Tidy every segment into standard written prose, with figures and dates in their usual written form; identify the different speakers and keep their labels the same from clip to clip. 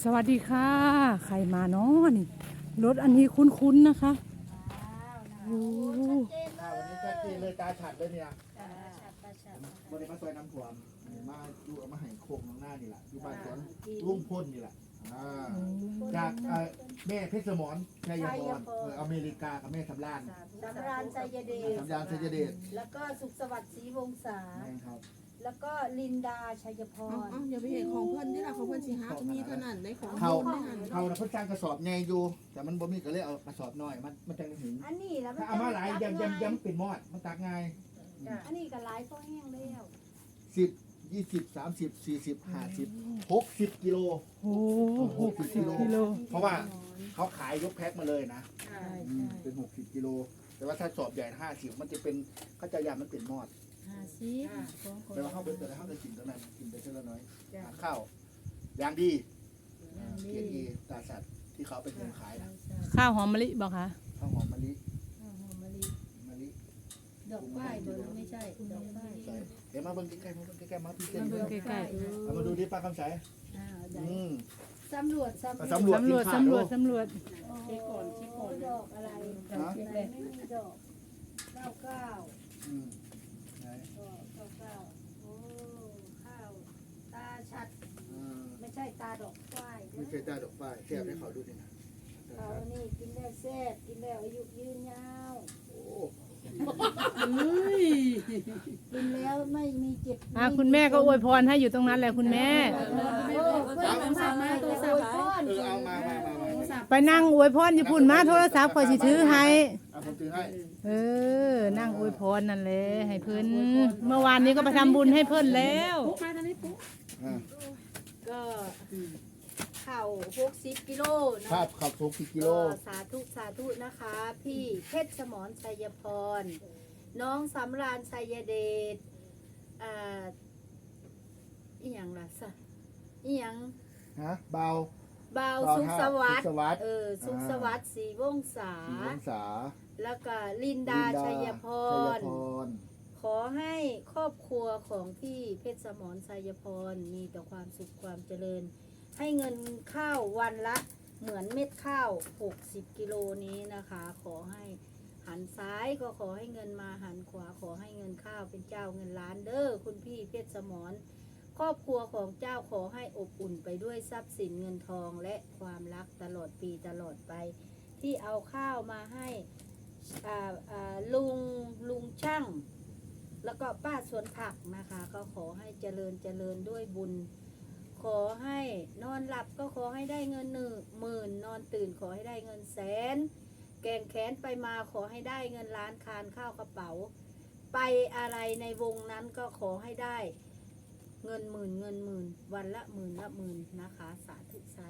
Speaker 1: สวัสดีค่ะใครมาเนาะนี่รถอันนี้คุ้นๆนะคะโอ้
Speaker 2: วันนี้ชัดเจนเลยตาฉัดเลยเนี่ยวันนี้มาซอยน้ำถ่วมมาดูเอามาให้โคงข้างหน้านี่แหละอยู่บ้านสวนรุ่งพ่นนี่แหละจากแม่เพชรสมรชัยพรอเมริกากับแม่สำราน
Speaker 3: สำราญชัยเดช
Speaker 2: สำรานชัยเดช
Speaker 3: แล้วก็สุขสวัสดิ์ศรีวงศา
Speaker 2: แม่ครับ
Speaker 3: แล้วก็ลินดาชัยพร
Speaker 4: อย่าไปเห็นของเพื่อนที่เราของเพื่อนสิฮะมีเท่านั้นได้ของ
Speaker 2: เขา
Speaker 4: ได้หัน
Speaker 2: เขาเพิ่นสร้างกระสอบใหญ่อยู่แต่มันบ่มีก็เลยเอากระสอบน้อยมันจังถึง
Speaker 3: อันนี้แล้ว
Speaker 2: ถ้าเอามาหลายยำเป็นมอดมันตักง่าย
Speaker 3: อันนี้ก็หลายก็แห้งแล้ว
Speaker 2: 10 20 30 40 50 60กิโล
Speaker 1: โห60 กิโล
Speaker 2: เพราะว่าเขาขายยกแพ็คมาเลยนะเป็น60กิโลแต่ว่าถ้าสอบใหญ่50มันจะเป็นเขาจะยำมันเป็นมอดแต่ว่าเขาเป็นแต่ละเขาจะกินตรงนั้นกินไปเท่าน้อยหาข้าวอย่างดีเกียรติตาสัตว์ที่เขาเป็นคนขายนะ
Speaker 1: ข้าวหอมมะลิบอกค่ะ
Speaker 2: ข้าวหอมมะลิมะลิ
Speaker 3: ดอกไม้เบอร์ไม่ใช่ดอกไม้
Speaker 2: ใส่เดี๋ยวมาเบิ่งใกล้ๆมาเบิ่งใกล้ๆมาพี่เต้น
Speaker 1: มาเบิ่งใกล้
Speaker 2: เอามาดูดิป้าคำใสอืม
Speaker 3: สำรวจ
Speaker 2: สำรวจ
Speaker 1: สำรวจ
Speaker 2: สินค้า
Speaker 1: สำรวจ
Speaker 2: ดู
Speaker 1: สำรวจ
Speaker 3: ดอกอะไร
Speaker 2: นะ
Speaker 3: ไม่มีดอก99
Speaker 2: อืมไหน
Speaker 3: โอ้ข้าวตาชัด
Speaker 2: อ่า
Speaker 3: ไม่ใช่ตาดอกควาย
Speaker 2: ไม่ใช่ตาดอกป้ายแค่ให้เขาดูนี่นะ
Speaker 3: เขานี่กินแล้วแซ่บกินแล้วอายุยืนยาว
Speaker 2: โอ้
Speaker 3: กินแล้วไม่มีเจ็บ
Speaker 1: คุณแม่ก็อวยพรให้อยู่ตรงนั้นแหละคุณแม่
Speaker 2: เอามา
Speaker 1: ไปนั่งอวยพรญี่ปุ่นมาโทรศัพท์คอยสิถือให้
Speaker 2: เอาผมถือให้
Speaker 1: นั่งอวยพรนั่นแหละให้เพิ่นเมื่อวานนี้ก็ไปทำบุญให้เพิ่นแล้ว
Speaker 2: อ่า
Speaker 3: ก็เข่า60กิโลนะ
Speaker 2: ภาพขับทุกกิโล
Speaker 3: ก็สาธุนะคะ พี่เพชรสมรชัยพร น้องสำราญชัยเดชอีหยังล่ะสะอีหยัง
Speaker 2: ฮะเบา
Speaker 3: เบาสุขสวัสดิ์
Speaker 2: สุขสวัสดิ์
Speaker 3: สุขสวัสดิ์ศรีวงศา
Speaker 2: 4 องศา
Speaker 3: แล้วก็ลินดาชัยพร ขอให้ครอบครัวของพี่เพชรสมรชัยพรมีแต่ความสุขความเจริญ ให้เงินข้าววันละเหมือนเม็ดข้าว60กิโลนี้นะคะ ขอให้หันซ้ายก็ขอให้เงินมาหันขวาขอให้เงินข้าวเป็นเจ้าเงินล้านเด้อคุณพี่เพชรสมรครอบครัวของเจ้าขอให้อบอุ่นไปด้วยทรัพย์สินเงินทองและความรักตลอดปีตลอดไป ที่เอาข้าวมาให้ลุงช่างแล้วก็ป้าสวนผักนะคะก็ขอให้เจริญด้วยบุญ ขอให้นอนหลับก็ขอให้ได้เงิน10,000นอนตื่นขอให้ได้เงินแสนแกงแขนไปมาขอให้ได้เงินล้านคานข้าวกระเป๋า ไปอะไรในวงนั้นก็ขอให้ได้เงินหมื่นวันละหมื่นนะคะสาธุ
Speaker 1: สา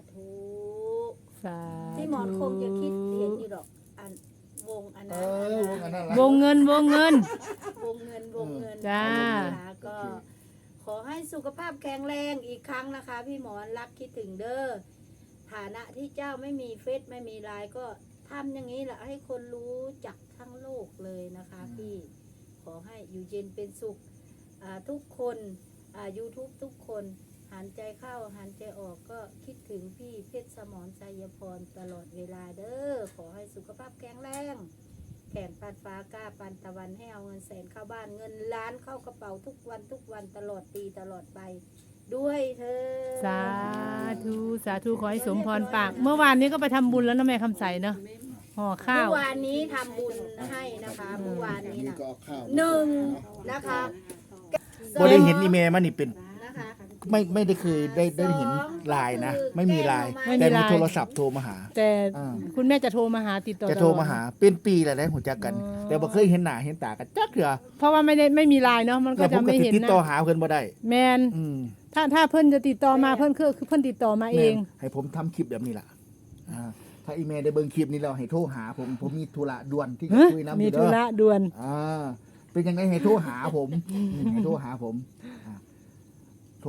Speaker 3: ที่หมอนคงจะคิดเห็นอยู่ดอกอันวงอันนั้น
Speaker 1: วงเงิน
Speaker 3: วงเงิน
Speaker 1: จ้า
Speaker 3: นะคะก็ขอให้สุขภาพแข็งแรงอีกครั้งนะคะ พี่หมอนรักคิดถึงเด้อฐานะที่เจ้าไม่มีเฟซไม่มีไลน์ก็ทำอย่างนี้แหละให้คนรู้จักทั้งโลกเลยนะคะพี่ขอให้อยู่เย็นเป็นสุขทุกคนYouTube ทุกคนหันใจเข้าหันใจออกก็คิดถึงพี่เพชรสมรชัยพรตลอดเวลาเด้อขอให้สุขภาพแข็งแรงแขนปันฟ้ากล้าปันตะวันให้เอาเงินแสนเข้าบ้านเงินล้านเข้ากระเป๋าทุกวันตลอดปีตลอดไปด้วยเธอ
Speaker 1: สาธุขอให้สมพรปากเมื่อวานนี้ก็ไปทำบุญแล้วนะแม่คำใสเนาะห่อข้า
Speaker 3: เมื่
Speaker 1: ว
Speaker 3: อวานนี้ทำบุญให้นะคะเมื่อวานนี้
Speaker 2: นี่
Speaker 3: นะ
Speaker 2: ก็เอาข้าว
Speaker 3: 1นะคะ
Speaker 2: บ่ได้เห็นอีเมลมันนี่เป็น
Speaker 3: นะคะ
Speaker 2: ไม่ได้เคยได้เห็นไลน์นะ ไม่มีไลน์แต่มีโทรศัพท์โทรมาหา
Speaker 1: แต่คุณแม่จะโทรมาหาติดต่อ
Speaker 2: จะโทรมาหาเป็นปีแล้วได้หัวจักกัน แต่บ่เคยเห็นหน้าเห็นตากันจักเถื่อ
Speaker 1: เพราะว่าไม่มีไลน์เนาะมันก็
Speaker 2: แล้วผ
Speaker 1: จะ
Speaker 2: มก็
Speaker 1: ไม่
Speaker 2: สิ
Speaker 1: เห็น
Speaker 2: ติด
Speaker 1: นะ
Speaker 2: ต่อหาเพิ่นบ่ได้
Speaker 1: แมน
Speaker 2: อืม
Speaker 1: ถ้าเพิ่นจะติดต่อมาเพิ่นคือเพิ่นติดต่อมาเอง
Speaker 2: แม่ให้ผมทำคลิปแบบนี้ล่ะถ้าอีเมลได้เบิ่งคลิปนี้แล้วให้โทรหาผมมีธุระด่วนที่จะคุยนำ
Speaker 1: มี
Speaker 2: อยู่
Speaker 1: ธุ
Speaker 2: เด้อ
Speaker 1: ระด่วน
Speaker 2: เป็นยังไงให้โทรหาผมให้โทรหาผมโทร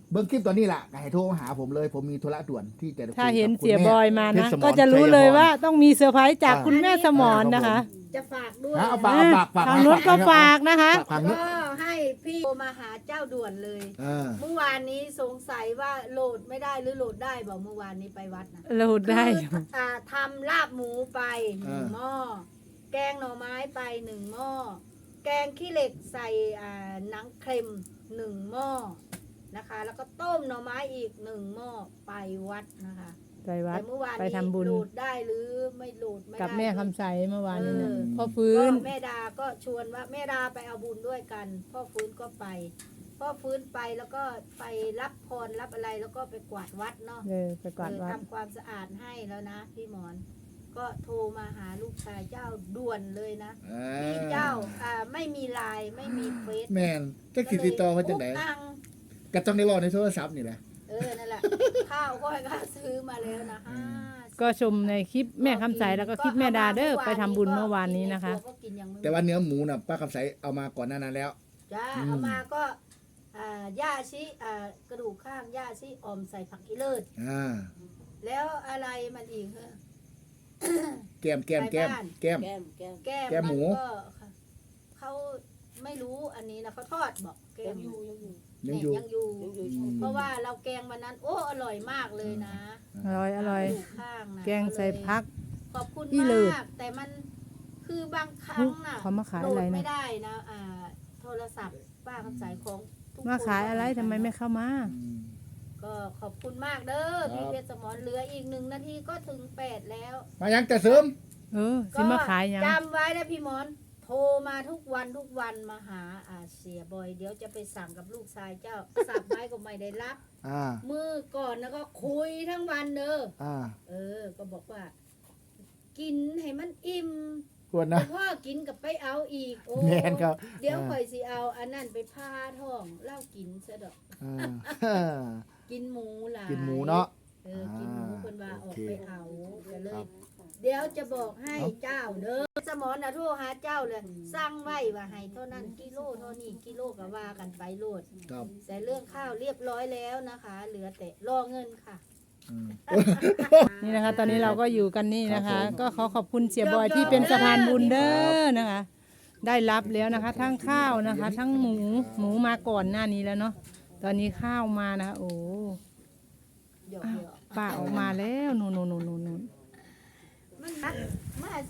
Speaker 2: เบิ้งคลิปตอนนี้แหละให้โทรมาหาผมเลย ผมมีธุระด่วนที่จะคุยกับ
Speaker 1: ถ้าเห็น
Speaker 2: คุณ
Speaker 1: เสีย
Speaker 2: แม่
Speaker 1: บอยมา
Speaker 2: เพช
Speaker 1: นะ
Speaker 2: รสมร
Speaker 1: ก็จะรู้เลย
Speaker 2: ชัยพร
Speaker 1: ว่าต้องมีเซอร์ไพรส์จากคุณแม่สมรนะคะ
Speaker 3: จะฝากด้วย
Speaker 2: เอา
Speaker 3: นะ
Speaker 2: ฝาก
Speaker 1: ทางรถก็ฝากนะคะ
Speaker 2: ฝากนุช
Speaker 3: ก็ให้พี่โทรมาหาเจ้าด่วนเลย เมื่อวานนี้สงสัยว่าโหลดไม่ได้หรือโหลดได้บอกเมื่อวานนี้ไปวัดนะ
Speaker 1: เราได้
Speaker 3: คือทำลาบหมูไป1 หม้อแกงหน่อไม้ไป1 หม้อแกงขี้เหล็กใส่หนังเค็ม1 หม้อนะคะ แล้วก็ต้มหน่อไม้อีก1 หม้อไปวัดนะคะ
Speaker 1: ไปวัด
Speaker 3: แต่เมื่อวาน
Speaker 1: ไป
Speaker 3: นี้
Speaker 1: ทำบุญ
Speaker 3: โหลดได้หรือไม่โหลดไม่ได้
Speaker 1: กับแม่คำใสเมื่อวานนี้นะ
Speaker 3: เออ
Speaker 1: พ่อฟื้น
Speaker 3: ก็แม่ดาก็ชวนว่าแม่ดาไปเอาบุญด้วยกัน พ่อฟื้นก็ไปพ่อฟื้นไปแล้วก็ไปรับพรรับอะไรแล้วก็ไปกวาดวัดเนาะ
Speaker 1: ไปกวาดวัด
Speaker 3: ทำความสะอาดให้แล้วนะพี่หมอน ก็โทรมาหาลูกชายเจ้าด่วนเลยนะพี่เจ้าไม่มีไลน์ไม่มีเฟซ
Speaker 2: แม่นจักสิติดต่อมาจังได๋
Speaker 3: นั่ง
Speaker 2: ก็ต้องได้รอในโทรศัพท์นี่แหละ
Speaker 3: นั่นแหละ ข้าวก็ให้ข้าซื้อมาแล้วนะ
Speaker 1: ก็ชมในคลิปแม่คำใสแล้วก็คลิปแม่ดาเด้อไปทำบุญเมื่อวานนี้นะคะ
Speaker 3: ก็กินยังไม่
Speaker 2: แต่ว่าเนื้อหมูน่ะป้าคำใสเอามาก่อนหน้านั้นแล้ว
Speaker 3: จ้าเอามาก็ย่าชิกระดูกข้างย่าชิออมใส่ผักอีเลิศแล้วอะไรมันอีกเหรอ
Speaker 2: แก้ม
Speaker 3: แก้ม
Speaker 2: แก้มหมู
Speaker 3: นก็เขาไม่รู้อันนี้นะเขาทอดบอกแก้ม
Speaker 2: ยังอยู่
Speaker 3: ยังอยู่ เพราะว่าเราแกงวันนั้น โอ้อร่อยมากเลยนะ
Speaker 1: อร่อยอร่อย
Speaker 3: กระดูกข้างนะ
Speaker 1: แกงใส่พัก
Speaker 3: ขอบคุณ
Speaker 1: อีเลิศ
Speaker 3: มากแต่มันคือบางครั้งน่ะ
Speaker 1: เขามาขาย
Speaker 3: โหล
Speaker 1: อะไร
Speaker 3: ด
Speaker 1: นะ
Speaker 3: ไม่ได้นะโทรศัพท์ป้าคำสายของทุกคน
Speaker 1: มาขายอะไรทำไมไม่เข้ามา
Speaker 3: ก็ขอบคุณมากเด้อพี่เพชรสมรเหลืออีก1 นาทีก็ถึง8แล้ว
Speaker 2: มายังจะเสริม
Speaker 1: สิมาขายยัง
Speaker 3: จำไว้นะพี่หมอน โทรมาทุกวันมาหาเสียบอย เดี๋ยวจะไปสั่งกับลูกชายเจ้า สับไม้ก็ไม่ได้รับ มือก่อนนะก็คุยทั้งวันเด้อก็บอกว่า กินให้มันอิ่ม
Speaker 2: ควรนะ
Speaker 3: พ่อกินกับไปเอาอีกโอ้
Speaker 2: แม่นครับ
Speaker 3: เดี๋ยวข่อยสิเอาอันนั้นไปพาท้องเล่ากินซะดอก กินหมูหลาย
Speaker 2: กินหมูเนาะ
Speaker 3: กินหมูคนว่าออก
Speaker 2: โอเค
Speaker 3: ไปเอาก็เลย เดี๋ยวจะบอกให้เจ้าเด้อสมอนะโทรหาเจ้าเลยสร้างไว้ว่าให้เท่านั้นกิโลเท่านี้กิโลก็ว่ากันไปโลด
Speaker 2: ครับ
Speaker 3: แต่เรื่องข้าวเรียบร้อยแล้วนะคะ เหลือแต่รอเงินค่ะ
Speaker 1: นี่นะคะ ตอนนี้เราก็อยู่กันนี่นะคะ
Speaker 2: ครับผม
Speaker 1: ก็ขอขอบคุณเสียบอยที่เป็นสะพานบุญเด้อนะคะ ได้รับแล้วนะคะ ทั้งข้าวนะคะ ทั้งหมูมาก่อนหน้านี้แล้วเนาะตอนนี้ข้าวมานะคะโอ้
Speaker 3: เดี๋ยว
Speaker 1: ป้าออกมาแล้วนู่น
Speaker 3: มันนักมาใส่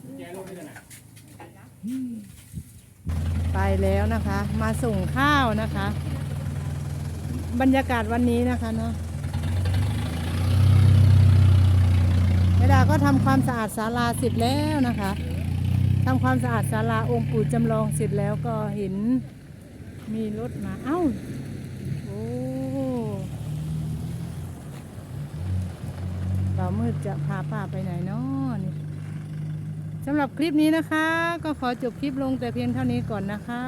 Speaker 1: ไปแล้วนะคะ มาส่งข้าวนะคะ บรรยากาศวันนี้นะคะเนาะแม่ดาก็ทำความสะอาดศาลาเสร็จแล้วนะคะทำความสะอาดศาลาองค์ปู่จำลองเสร็จแล้วก็เห็นมีรถมาเอ้าโอ้บ่าวมืดจะพาป้าไปไหนเนาะนี่สำหรับคลิปนี้นะคะ ก็ขอจบคลิปลงแต่เพียงเท่านี้ก่อนนะคะ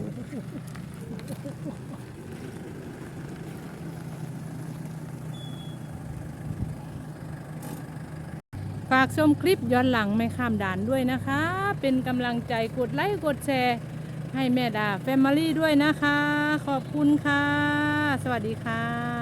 Speaker 1: ฝากชมคลิปย้อนหลังไม่ข้ามด่านด้วยนะคะ เป็นกำลังใจกดไลค์กดแชร์ให้แม่ดาแฟมิลี่ด้วยนะคะ ขอบคุณค่ะ สวัสดีค่ะ